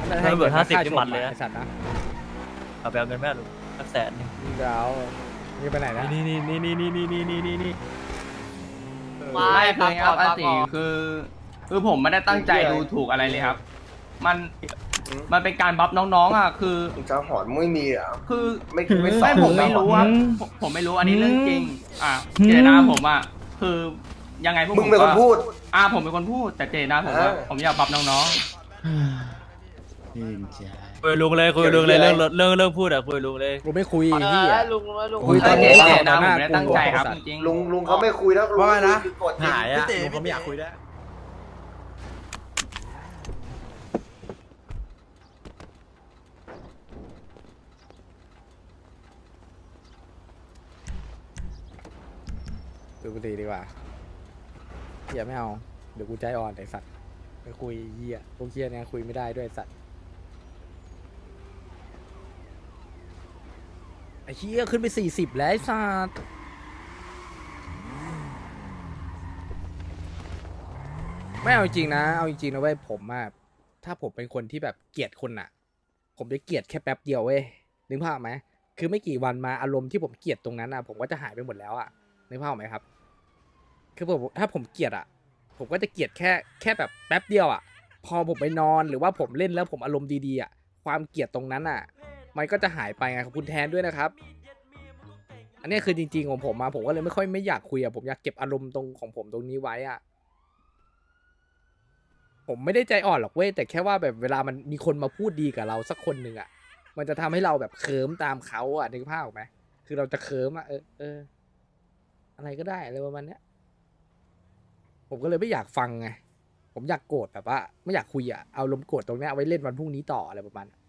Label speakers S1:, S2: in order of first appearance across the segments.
S1: ถ้าเบิด50นี่มันเลย
S2: ไอ้สัตว์นะ
S1: เอาไปเอาเงินแม่ลุงสัก100,000
S2: เดี๋ยวนี่ไปไหนนะ
S1: นี่
S3: ไม่ครับอาติคือผมไม่ได้ตั้งใจดูถูกอะไรเลยครับ มันเป็นการบัฟน้องๆอ่ะคือ
S4: จะหอนไม่มีอ่ะ
S3: คือ
S4: ไม่สอ
S3: ไม่
S4: น
S3: ผมไม่รู้ว่าผมไม่รู้อันนี้เรื่องจริงเจตนาผมอ่ะคือยังไงพวก
S4: มึงเป็นคนพูด
S3: ผมเป็นคนพูดแต่เจตนาผมว่าผมอยากบัฟน้อง
S1: คุยลุงเลยคุยลุงเลยเรื่องพูดอะคุยลุงเลย
S2: กูไม่คุยไอ้เหี้ย
S5: ลุงลุง
S2: คุย
S3: ๆ
S2: ตอน
S3: เจ
S2: นี้
S3: ตนาผมไม่ได้ตั้งใจครับจริง
S4: ลุงเขาไม่คุยแล้วลุง
S6: ว่าไงนะ
S4: คือกดจริง
S6: หายอ่ะผมไม่อยากคุยแล้ว
S2: ดูกูตีดีกว่าเหี้ยไม่เอาเดี๋ยวกูใจอ่อนไอ้สัตว์ไม่คุยเหี้ยพวกเหี้ยเนี่ยคุยไม่ได้ด้วยไอ้สัตว์ไอ้เหี้ยขึ้นไป40แล้วไอ้สัตว์ไม่เอาจริงนะเอาจริงนะเว้ยผมอะถ้าผมเป็นคนที่แบบเกลียดคนอะผมจะเกลียดแค่แป๊บเดียวเว้ยนึกภาพไหมคือไม่กี่วันมาอารมณ์ที่ผมเกลียดตรงนั้นอะผมก็จะหายไปหมดแล้วอะนึกภาพออกไหมครับคือผมถ้าผมเกลียดอะผมก็จะเกลียดแค่แบบแป๊บเดียวอะพอผมไปนอนหรือว่าผมเล่นแล้วผมอารมณ์ดีๆอะความเกลียดตรงนั้นอะมันก็จะหายไปไงขอบคุณแทนด้วยนะครับ อันนี้คือจริงๆของผมมาผมก็เลยไม่อยากคุยอะผมอยากเก็บอารมณ์ตรงของผมตรงนี้ไว้อะผมไม่ได้ใจอ่อนหรอกเว้ยแต่แค่ว่าแบบเวลามันมีคนมาพูดดีกับเราสักคนหนึ่งอะมันจะทำให้เราแบบเคิร์มตามเขาอะนึกภาพออกไหมคือเราจะเคิร์มอะอะไรก็ได้อะไรประมาณเนี้ยผมก็เลยไม่อยากฟังไงผมอยากโกรธแบบว่าไม่อยากคุยอะเอาลมณ์โกรธตรงเนี้ยเอาไว้เล่นวันพรุ่งนี้ต่ออะไรประมาณนั้น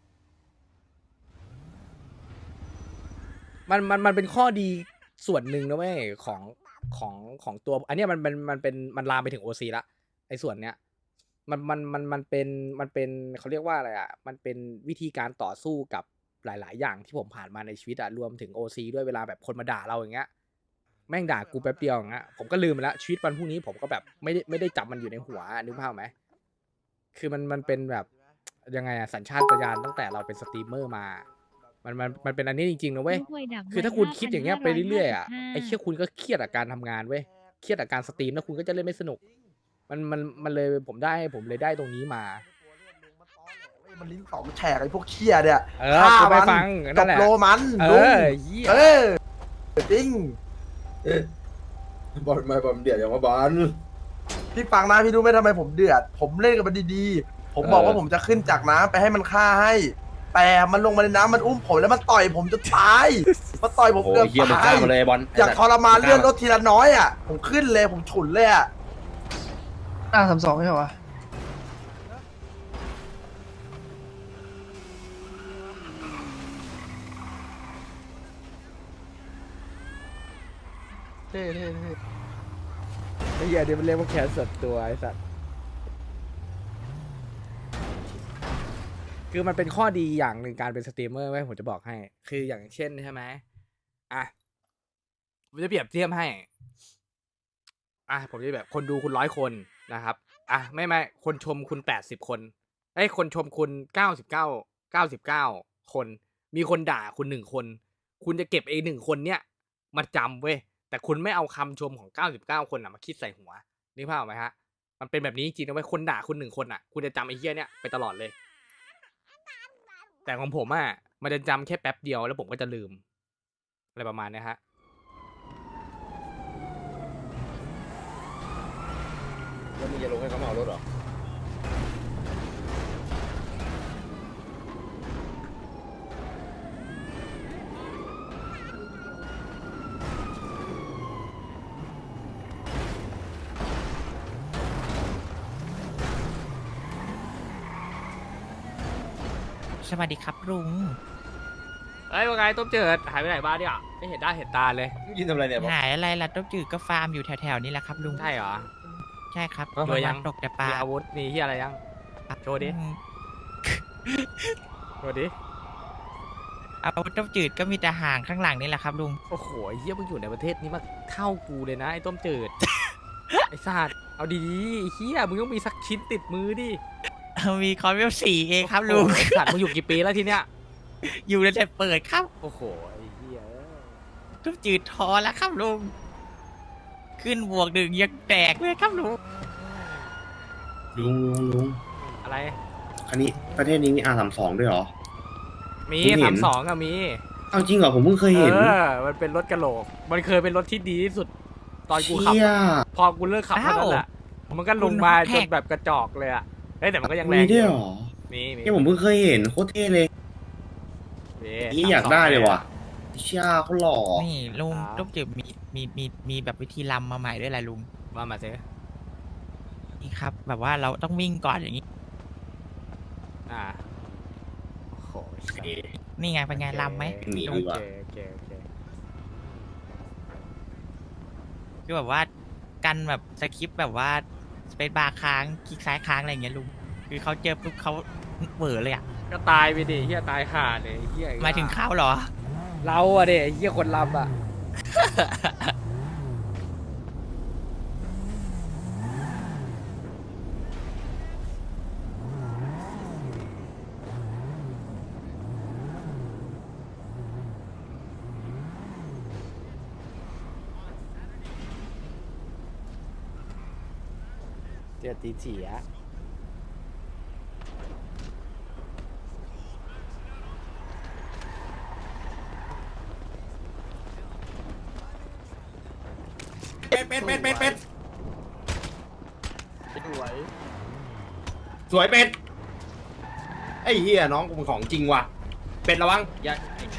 S2: มันเป็นข้อดีส่วนหนึ่งนะเว้ยของตัวอันเนี้ยมันลามไปถึงโอซีละไอ้ส่วนเนี้ยมันเป็นเขาเรียกว่าอะไรอ่ะมันเป็นวิธีการต่อสู้กับหลายๆอย่างที่ผมผ่านมาในชีวิตอ่ะรวมถึงโอซีด้วยเวลาแบบคนมาด่าเราอย่างเงี้ยแม่งด่ากูแป๊บเดียวอย่างเงี้ยผมก็ลืมไปละชีวิตวันพรุ่งนี้ผมก็แบบไม่ได้จับมันอยู่ในหัวนึกภาพไหมคือมันเป็นแบบยังไงอะสัญชาตญาณตั้งแต่เราเป็นสตรีมเมอร์มามันเป็นอันนี้จริงๆนะเว้ยคือถ้าคุณคิดอย่างเงี้ยไปเรื่อยๆอ่ะไอ้เชี่ยคุณก็เครียดกับการทำงานเว้ยเครียดกับการสตรีมแล้วคุณก็จะเล่นไม่สนุกมันเลยผมเลยได้ตรงนี้มา
S6: มันลิ้นสองแฉกไอ้พวกเคียเนี่ย
S2: ฆ่า
S6: กู
S2: ไป
S6: มัน
S2: ฟัง
S6: จ
S2: นั่น
S6: บ
S2: แหละ
S6: โลมัน
S2: เอ
S6: ลุง
S2: อเหี้ย
S6: จริง
S4: บอลไม่บอลเดือดอย่างว่าบอล
S6: พี่ฟังนะพี่รู้ไหมทำไมผมเดือด ผมเล่นกับมันดีๆ ผมบอกว่าผมจะขึ้นจากน้ำไปให้มันฆ่าให้ แต่มันลงมาในน้ำมันอุ้มผมแล้วมันต่อยผมจนตายมันต่อยผมเกือบตายอยากทรมานเลื่อนรถทีละน้อยอ่ะผมขึ้นเลยผมฉุนเลยอ่ะ
S5: 32ไม่ใช่วะ
S6: เท่เท่เท่
S2: ไอ้เหี้ยเดี๋ยวมันเรียกว่าแขนส่วนตัวไอ้สัตว์คือมันเป็นข้อดีอย่างหนึ่งการเป็นสตรีมเมอร์ไว้ผมจะบอกให้ คืออย่างเช่นใช่ไหมอ่ะผมจะเปรียบเทียบให้ผมจะแบบคนดูคุณ100 คนนะครับไม่คนชมคุณ80 คนคนชมคุณ99 คนมีคนด่าคุณ1 คนคุณจะเก็บ1 คนเนี้ยมาจำเว้ยแต่คุณไม่เอาคำชมของ99 คนมาคิดใส่หัวนึกภาพออกไหมฮะมันเป็นแบบนี้จริงๆนะเว้ยคนด่าคุณ1 คนคุณจะจำไอ้เหี้ยเนี้ยไปตลอดเลย แต่ของผมมันจะจำแค่แป๊บเดียวแล้วผมก็จะลืมอะไรประมาณนี้ฮะแล้วมึงจะลงให้เขาเมารถหรอ
S7: สวัสดีครับลุง
S2: ว่าไงต้มเจิดหายไปไหนบ้างเนี่ยไม่เห็นได้เห็นตาเลย
S4: ยินทำอะไรเนี่ย
S7: หายอะไรล่ะต้มจืดก็ฟาร์มอยู่แถวๆนี้แหละครับลุง
S2: ใช่เหรอ
S7: ใช่ครับ
S2: รวยยัง
S7: ตกแต่ปลา
S2: มีอาวุธมีที่อะไรยังโชว์ดิ
S7: อืม
S2: โชว์ดิ
S7: เอาต้มจืดก็มีแต่ห่างข้างหลังนี่แหละครับลุง
S2: โอ้โหไอ้เหี้ยมึงอยู่ในประเทศนี้มาเท่ากูเลยนะไอ้ต้มจืด ไอ้สัตว์เอาดีๆไอ้เหี้ยมึงต้องมีสักชิ้นติดมือดิ
S7: มีคอนเวล4เองครับลุง
S2: โอ้โหสัตว์มึงอยู่กี่ปีแล้วทีเนี้ย
S7: อยู่ในแต่เปิดครับ
S2: โอ้โหไอ้เหี้ย
S7: ต้มจืดทอแล้วครับลุงขึ้นบวกหนึ่งยังแตกเลยครับลุง
S8: ลุง
S2: อะไร
S8: อันนี้ประเทศนี้มี R32 ด้วยเหรอ
S2: มี
S8: เพิ่งเห็น
S2: 32อะมี
S8: เอาจริงเหรอผมเพิ่งเคยเห็น
S2: มันเป็นรถกระโหลก มันเคยเป็นรถที่ดีที่สุด ตอนกูขับ
S8: เชี่ย
S2: พอกูเลิกขับเท่านั้นแหละมันก็ลงมาจนแบบกระจอกเลยอะเฮ้ยแต่มันก็ยังแร
S8: มี
S2: ง
S8: ด้วยเหรอ
S2: มี
S8: เนี่ยผมเพิ่งเคยเห็นโคตรเท่เลย นี่อยากได้เลยว่ะเชี่ยเขาหล่อ
S7: นี่ลุงต้มจืดมีแบบวิธีลำมาใหม่ด้วยแหละลุง
S2: มาสิ
S7: นี่ครับ แบบว่าเราต้องวิ่งก่อนอย่างนี้
S2: อ่าโอ้โห
S7: นี่ไงเป็นไงลำไหม
S8: หนี
S2: โอ
S8: ดีกว่า
S2: เคโอเคโอเค
S7: คือแบบว่ากันแบบสคริปต์แบบว่าสเปซบาร์ค้างคลิกซ้ายค้างอะไรอย่างเงี้ยลุงคือเขาเจอปุ๊บเขาเหวอเลยอ่ะ
S2: ก็ตายไปดิเฮียตายห่าเลยเฮีย
S7: หมายถึงเขาเหรอ
S2: เราอะเด็เฮียคนลำอะ เจอตีเฉีย
S8: เป็ดสวยเป็ดไอ้เฮียน้องกูเป็นของจริงว่ะเป็ดระวังอย่า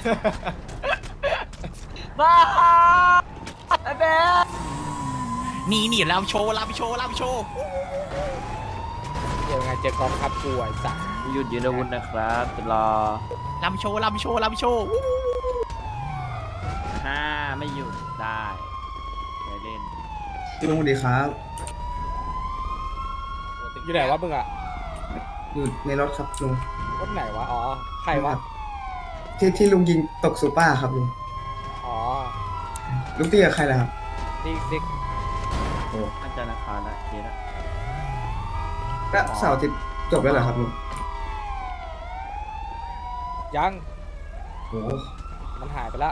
S7: นี่ลำโชว์
S2: เดี๋ยวไงเจอกองทัพกูไอ้สัส
S1: หยุดยืนอาวุธนะครับจะรอ
S7: ลำโชว์
S1: ห้าไม่หยุดได้ไม่เล่น
S9: ลุงสวัสดีครับ
S2: อยู่ไหนวะมึงอะ
S9: อยู่ในรถครับลุง
S2: รถไหนวะ อ๋อ ใครวะ
S9: ที่ลุงยิงตกซูเปอร์ครับลุง
S2: อ๋อ
S9: ลุงตีกับใครล่ะครับ
S2: ซิก
S1: น่าจะราคาละเคสละ
S9: ก็เสาร์อาทิตย์จบแล้วเหรอครับลุง
S2: ยัง
S9: โอ้
S2: มันหายไปละ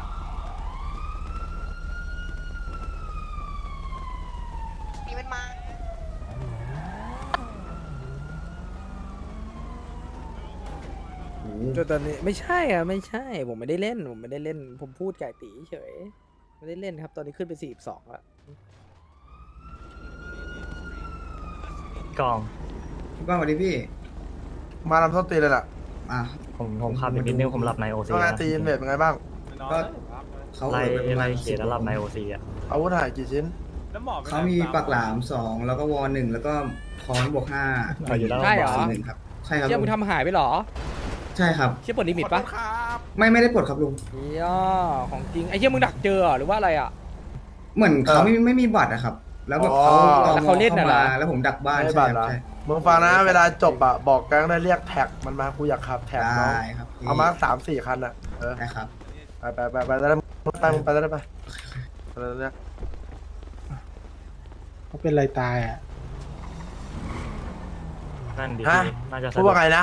S9: โห
S2: จนตอนนี้ไม่ใช่อ่ะไม่ใช่ ผมไม่ได้เล่น ผมพูดไก่ตีเฉย ไม่ได้เล่นครับ ตอนนี้ขึ้นไป42แล้ว
S10: กอง
S9: พี่ก้องสวัสดีพี่
S6: มาลำต้นตีเลยล่ะ
S9: อ่ะ
S10: ผมขับอีกนิดนึงผมหลับในโอซี
S6: ว่าไงตีนเวทเป็นไงบ้าง
S9: ก็เขา
S10: ไล่
S9: เอ่ยไปประมาณ
S10: เขียนแล้วหลับในโอซีอ่ะ
S6: อาวุธหายกี่ชิ้น
S9: เขามีปากหลาม2แล้วก็วอ1แล้วก็ค้อนบวก5
S10: เอาอยู่แล้ว
S2: ใช่เหรอ
S9: หนึ่งครับ ใช่ครับ
S2: เชี่ย
S9: ลุ
S2: มึ
S9: ง
S2: งทำหายไปเหรอ
S9: ใช่ครับ
S2: เชี่ยปลดลิมิตปะ
S9: ไม่ได้ปลดครับลุง
S2: เชี่ยของจริง ไอ้เชี่ยมึงดักเจอเหรอหรือว่าอะไรอ่ะ
S9: เหมือนเขาไม่มีบัตรอะครับ แล้วแบบ
S6: อ๋อ
S9: เขาตอ
S2: แล้ว
S9: ม
S2: เขาเล่นน่ะเหรอ
S9: ข้ามาแล้วผมดักบ้าน
S6: ไม่
S9: ใช่
S6: บัต
S9: ค
S6: ร
S9: รับ
S6: เหรอ
S9: ใช่
S6: มึงฟังนะเวลาจบอะบอกแก๊งได้เรียกแท็กมันมากูอยากขับแท็กน้อง
S9: ได้ครับพี่
S6: เอามา3-4 คันอะเออ
S9: ได้ครับ
S6: ไปได้แล้วไปได้ไปแล้วเนี่ย
S11: เขาเป็นไรตายอ่ะ
S10: นั่นดี
S6: ฮะ
S10: น่าจะสะ
S6: พูด
S10: ดวก
S6: ว่าไงนะ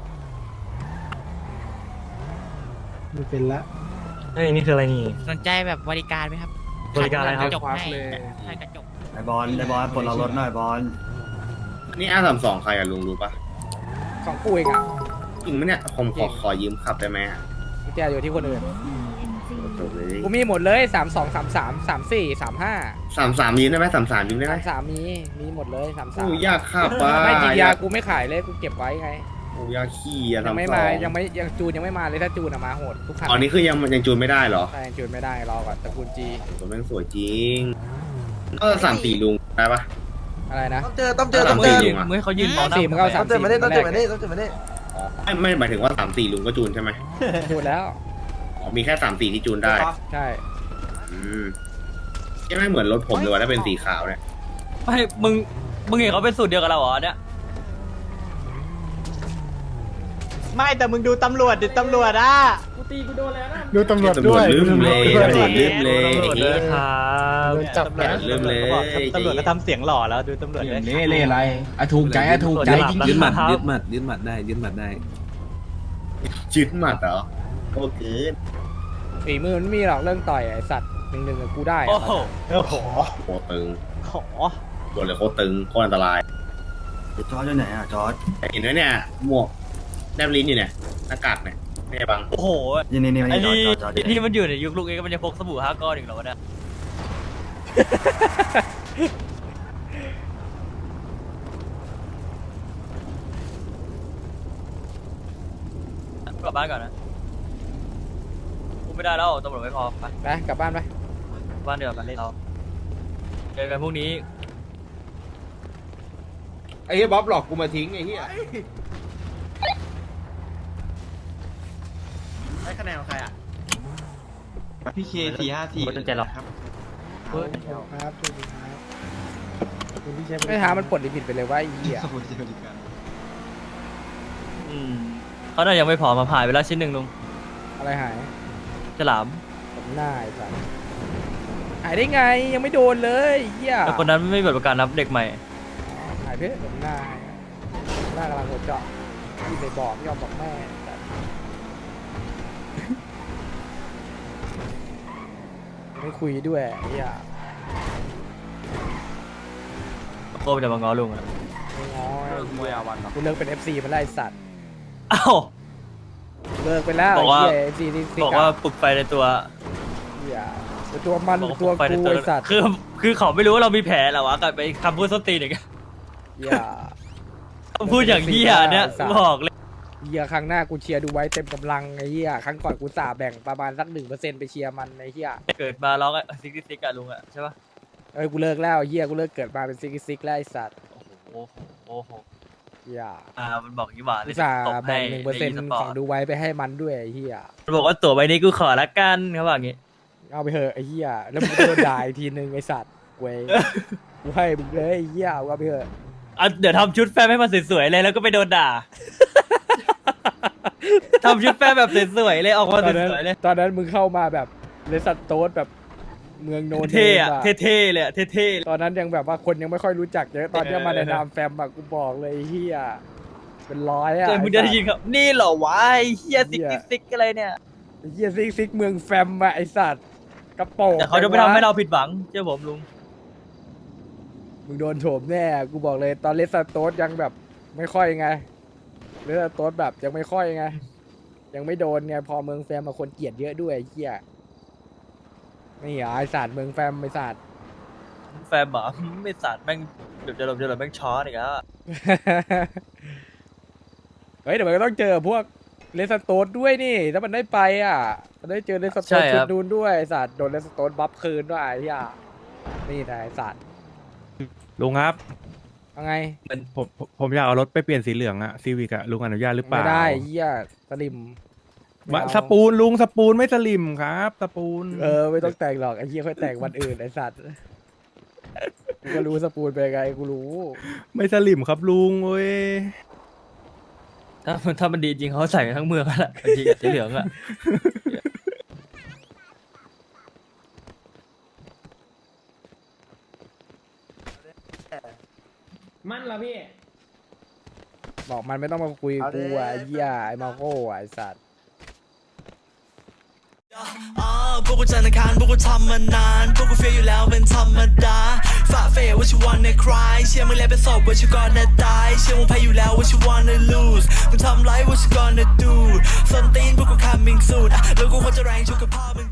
S11: ไม่เป็นละ
S10: เฮ้ยนี่คืออะไรนี่
S7: สนใจแบบบริการไหมครับ
S10: บริการอะไรครับ
S7: กระจกให้ใช่กระจก
S11: ไอบอลปลดล็อกรถหน่อยบอล
S8: นี่ R32 ใครอะลุงรู้ปะ
S2: ของกูเองอ่ะ
S8: จริงไหมเนี่ยผมขอยืมขับได้ไหมอะ
S2: กุญแจอยู่ที่คนอื่น
S8: จบเลย
S2: กูมีหมดเลย 32 33 34 35
S8: 33ยืมได้ไหม33ยืมได้ไหม
S2: 33มีหมดเลย
S8: โอ้
S2: 33
S8: ยากขับว่ะ
S2: ไม่จริงยากูไม่ขายเลยกูเก็บไว้ไง
S8: โอ้ยากขี่อะ
S2: ยังไม่
S8: 32
S2: มายังจูนยังไม่มาเลยถ้าจูนอะมาโหดทุกคัน
S8: อ๋อนี่คือยังจูนไม่ได้เหรอ
S2: แต่ยังจูนไม่ได้รอก่อนตระกูลจี
S8: ตัวแม่งสวยจริง34ลุงได้ปะ
S2: อะไรนะ
S6: ต้องเจอ
S8: ต้องเจอ
S1: มึงให้เขายืนมองหน้า
S2: สี่มึงเอา
S6: ต้องเจอมานี่ต้องเจอมานี่ต้องเจอมานี่
S8: ไม่หมายถึงว่า34ลุงก็จูนใช่ไหม
S2: จูนแล้ว
S8: อ๋อมีแค่34ที่จูนได้
S2: ใช่
S8: อืมใช่ไหมเหมือนรถผมเลยว่าถ้าเป็นสีขาวเนี่ย
S1: ไม่มึงเห็นเขาเป็นสูตรเดียวกับเราเหรอเนี่ย
S7: ไม่แต่มึงดูตำรวจดิตำรวจอ่ะ
S11: ดูตำรวจ
S8: ตำร
S11: ด้
S8: ว
S11: ว
S8: จ
S11: ย
S8: ลืมเลยตำรวจลืมเลย
S10: ตำรวจด้วยครับ
S11: โดนจับแล้ว
S8: ลืมเลย
S7: ตำรวจก็ทำเสียงหล่อแล้วดูตำรวจด้วย
S3: เล่อะไรอะถูกใจอะถูกใจจริง
S10: ยึดหมัดยึดหมัด
S8: ยึดหมัดได้ยึดหมัดได้ยึดหมัดเหรอโอเค
S2: ฝีมือมันไม่มีหรอกเรื่องต่อยไอ้สัตว์หนึ่งกับกูได้
S1: โอ้
S2: อะ
S1: โห
S11: โอ้โห
S8: โคตรตึง
S2: ขอ
S8: ตัวเลยโคตรตึงโคตรอันตราย
S11: จอร์จอยู่ไหนอ่ะจอร์จ
S8: เห็นไหมเนี่ยหมวกแนบลิ้นอยู่เนี่ยหน้ากากเนี่ยไม่ใช่บัง
S1: โอ้โห
S11: นี่
S1: ไอ้นี่
S11: จอร์จ
S1: ที่มันอยู่ในยุคลุงเองมันจะพกสบู่5 ก้อนอีกเหรอวะเนี่ยกลับบ้านก่อนนะกูไม่ได้แล้วตำรวจไม่พอไป
S2: ไปกลับบ้านไป
S1: บ้านเดียวกันเราเจอกันพรุ่งนี้
S4: ไอ้เหี้ยบ๊อบหลอกกูมาทิ้งไอ้เหี้ย
S3: ได้คะแนนของใครอ่ะ
S7: พี่เค454
S10: ไม่ต้องใจหรอก
S11: ครับสวัสดีครับคุณพี่เชฟ
S2: ไม่ท้ามันปลดลิมิตไปเลยว่าไอ้เหี้ย
S1: เขาน่ายังไม่พอมาผ่านไปแล้วชิ้นหนึ่งลุง
S2: อะไรหาย
S1: ฉลาม
S2: ผมหน้าไอ้สัตว์หายได้ไงยังไม่โดนเลยไอ้เหี้ย
S1: แต่คนนั้นไม่มีบัตรประกันรับเด็กใหม่
S2: หายเพื่ผมหน้าหน้ากำลังโดนเจาะที่ไปบอกไม่ยอมบอกแม่สัตว์ไม่คุยด้วยไอ้เหี้ย
S1: โก้จะมาง้อลุงอะ
S2: ไม่ง้อมวยอาวันกูเลิกเป็น FC มาแล้วไอ้สัตว์
S1: อ้าว
S2: เลิกไปแล้ว
S1: บอกว่า
S2: ไอ้เหี้ย FC ที่สิ
S1: บอกว่าปลุกไฟในตัว
S2: เหี้ยตัวมัน
S1: บอกว่า
S2: ตัว
S1: ปลุกไฟใน
S2: กู
S1: ตัว
S2: ไอ้สัตว์
S1: คือเขาไม่รู้ว่าเรามีแผลเหรอวะกลับไปคำพูดส้นตีนอีก
S2: เหี้ย
S1: พูดอย่างเหี้ยเนี่ยบอกเลย
S2: เหี้ยครั้งหน้ากูเชียร์ดูไว้เต็มกำลังไอ้เหี้ยครั้งก่อนกูสาแบ่งประมาณสัก1%ไปเชียร์มันไอ้เหี้ย
S1: เกิดมาร้องซิกซิกอะลุงอะใช่ปะ
S2: เอ้ยกูเลิกแล้วไอ้เหี้ยกูเลิกเกิดมาเป็นซิกแล้วไอ้สัตว์
S1: โอ้โหโอ้โห
S2: เหี้ย
S1: มันบอกยี่หว่าเล
S2: กู
S1: ย
S2: สา
S1: ตบให้
S2: แบ่ง1%ของดูไว้ไปให้มันด้วยไอ้เหี้ย
S1: มันบอกว่าตั๋วใบนี้กูขอละกันเขาบอกงี้
S2: เอาไปเถอะไอ้เหี้ยแล้วมึงโดนด่าอีกทีนึงไอ้สัตว์เว้ยกูให้มึงเลยไอ้เหี้ยเอาไปเถอะ
S1: เดี๋ยวทำชุดแฟนให้มันสวยๆเลยแล้วก็ไปโดนด่าทำชุดแฟนแบบสวยๆเลยออกมาสวยๆเลย
S2: ตอนนั้นมึงเข้ามาแบบเลสัตโต๊ดแบบเมืองโนน
S1: เท่อะ
S2: อะ
S1: เท่ๆเลยอะเท่ๆเลย
S2: ตอนนั้นยังแบบว่าคนยังไม่ค่อยรู้จักเยอะตอนเนี้ยมาในนามแฟมอะกูบอกเลยไอ้เฮียเป็นร้อยอะ
S1: เจอมึงจะได้ยินครับนี่เหรอวะไอ้เฮียซิกอะไรเนี่ย
S2: ไอ้เฮียซิกเมืองแฟมอะไอสัตว์กระโปรง
S1: แต่เขาจะไม่ทำให้เราผิดหวังเชื่อผมลุง
S2: มึงโดนโฉมแน่กูบอกเลยตอนเลสโต๊ดยังแบบไม่ค่อยไงเลสโต๊ดแบบยังไม่ค่อยไงยังไม่โดนไงพอเมืองแฟมมาคนเกลียดเยอะด้วยไอ้เฮียนี่เหรอไอสัตว์เมืองแฟมไอสัตว์
S1: แฟนบอกไม่สัตว์แม่งเดี๋ยวจะหลบแม่งช้อนอีกแล้ว
S2: เฮ้ยเดี๋ยวมันก็ต้องเจอพวกเลสโตนด้วยนี่ถ้ามันได้ไปอ่ะมันได้เจอเลสโตนชุดนูนด้วยไอ้สัตว์โดนเลสโตนบัฟคืนด้วยไอ้เหี้ยนี่นะไอ้สัตว์
S12: ลุงครับ
S2: เอาไง
S12: ผมอยากเอารถไปเปลี่ยนสีเหลืองอะซีวิกอะลุงอนุญาตหรือเปล่า
S2: ไม่ได้ไอ้เหี้ยสลิมไม่เอา
S12: สปูนลุงสปูนไม่สลิมครับสปูน
S2: ไม่ต้องแต่งหรอกไอ้เหี้ยค่อยแต่งวันอื่นไอ้สัตว์กูก็รู้สปูนเป็นไงกูรู้
S12: ไม่สลิมครับลุงเว้ย
S1: ถ้ามันดีจริงเขาใส่กันทั้งเมืองแล้วแหละจริงๆสีเหลืองอะ
S10: มันละพี่
S2: บอกมันไม่ต้องมาคุยกูอ่ะไอ้เหี้ยไอ้มาโก้อ่ะไอ้สัตว์
S13: พวกกูจันทร์อังคารพวกกูทำมานานพวกกูเฟียอยู่แล้วเป็นธรรมดาฝ่าเฟยว่าชิวันในคลายเชื่อมึงแล้วเป็นศพว่าชิวก่อนจะตายเชื่อมึงแพ้อยู่แล้วว่าชิวันใน lose มึงทำไรว่าชิวก่อนจะ do ส้นตีนพวกกู coming soon แล้วกูควรจะแรงชุกกับพ่อมึง